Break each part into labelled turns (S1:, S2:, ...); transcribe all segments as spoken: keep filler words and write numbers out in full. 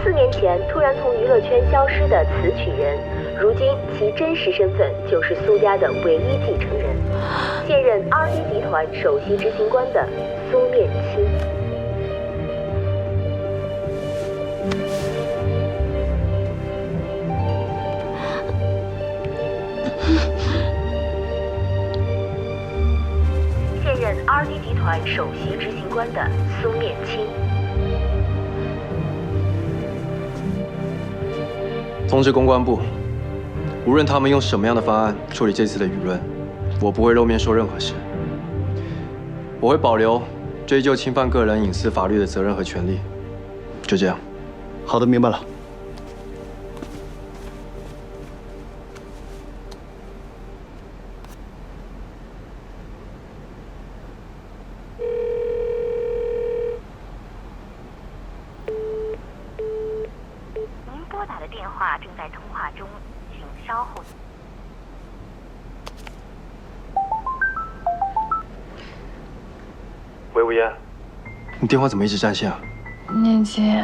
S1: 四年前突然从娱乐圈消失的词曲人，如今其真实身份就是苏家的唯一继承人，现任 R D 集团首席执行官的苏念青。现任 R D 集团首席执行官的苏念青。
S2: 通知公关部，无论他们用什么样的方案处理这次的舆论，我不会露面说任何事。我会保留追究侵犯个人隐私法律的责任和权利。就这样。
S3: 好的，明白了。
S1: 您拨打的电话正在通话中，请稍后。
S2: 喂，吴嫣，你电话怎么一直占线啊？
S4: 念青，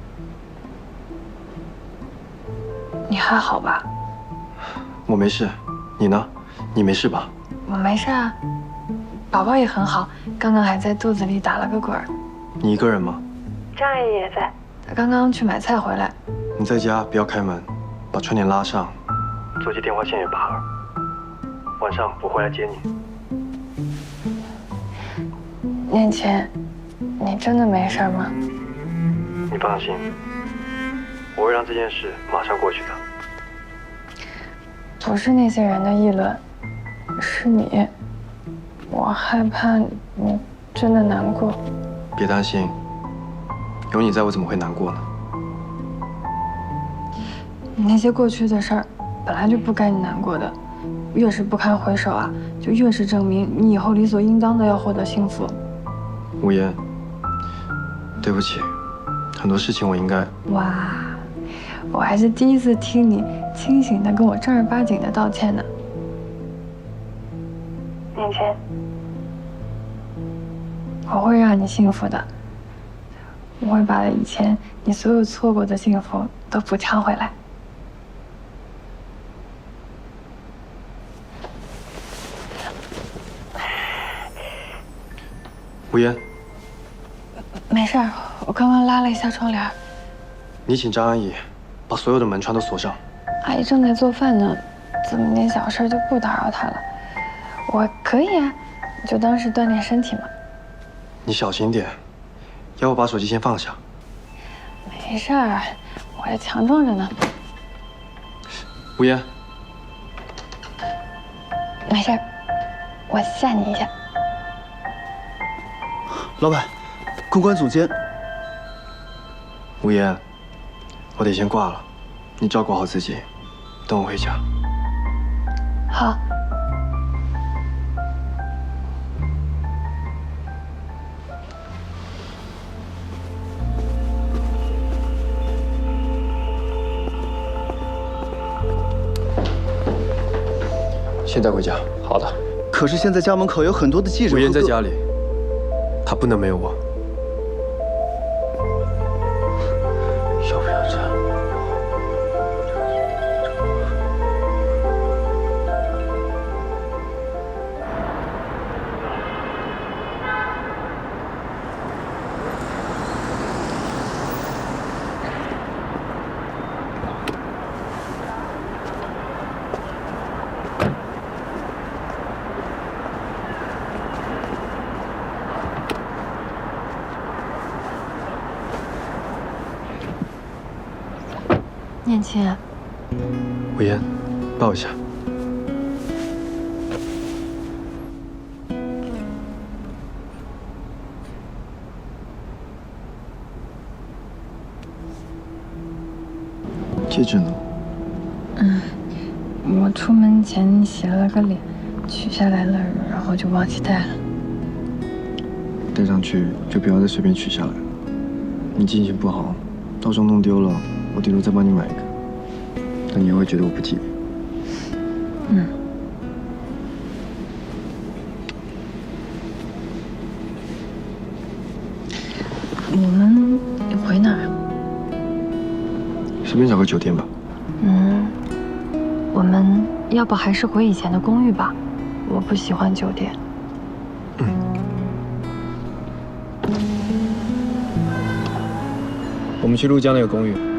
S4: 你还好吧？
S2: 我没事，你呢？你没事吧？
S4: 我没事啊，宝宝也很好，刚刚还在肚子里打了个滚儿。
S2: 你一个人吗？
S4: 张阿姨也在，她刚刚去买菜回来。
S2: 你在家不要开门，把窗帘拉上，座机电话线也拔了。晚上我会来接你。
S4: 念青，你真的没事吗？
S2: 你放心，我会让这件事马上过去的。
S4: 不是那些人的议论，是你，我害怕你真的难过。
S2: 别担心，有你在我怎么会难过呢？
S4: 那些过去的事儿本来就不该你难过的，越是不堪回首啊，就越是证明你以后理所应当的要获得幸福。
S2: 吴嫣，对不起，很多事情我应该……
S4: 哇，我还是第一次听你清醒的跟我正儿八经的道歉呢。念青，我会让你幸福的，我会把以前你所有错过的幸福都补偿回来。
S2: 吴嫣，
S4: 没事儿，我刚刚拉了一下窗帘。
S2: 你请张阿姨把所有的门窗都锁上。
S4: 阿姨正在做饭呢，这么点小事就不打扰她了。我可以啊，就当是锻炼身体嘛。
S2: 你小心点，要不把手机先放下。
S4: 没事儿，我还强壮着呢。
S2: 吴嫣，
S4: 没事儿，我吓你一下。
S3: 老板，公关总监。
S2: 吴嫣，我得先挂了，你照顾好自己，等我回家。
S4: 好。
S2: 现在回家。好的。
S3: 可是现在家门口有很多的记者。
S2: 吴嫣在家里，她不能没有我。
S3: 要不要这样？
S4: 念青，
S2: 吴嫣，抱一下。戒指呢？
S4: 嗯，我出门前洗了个脸，取下来了，然后就忘记戴了。
S2: 戴上去就不要再随便取下来了。你记性不好，到时候弄丢了，我顶多再帮你买一个，但你也会觉得我不吉利。
S4: 嗯。我们回哪儿啊？
S2: 随便找个酒店吧。
S4: 嗯，我们要不还是回以前的公寓吧？我不喜欢酒店。
S2: 嗯。我们去陆江那个公寓。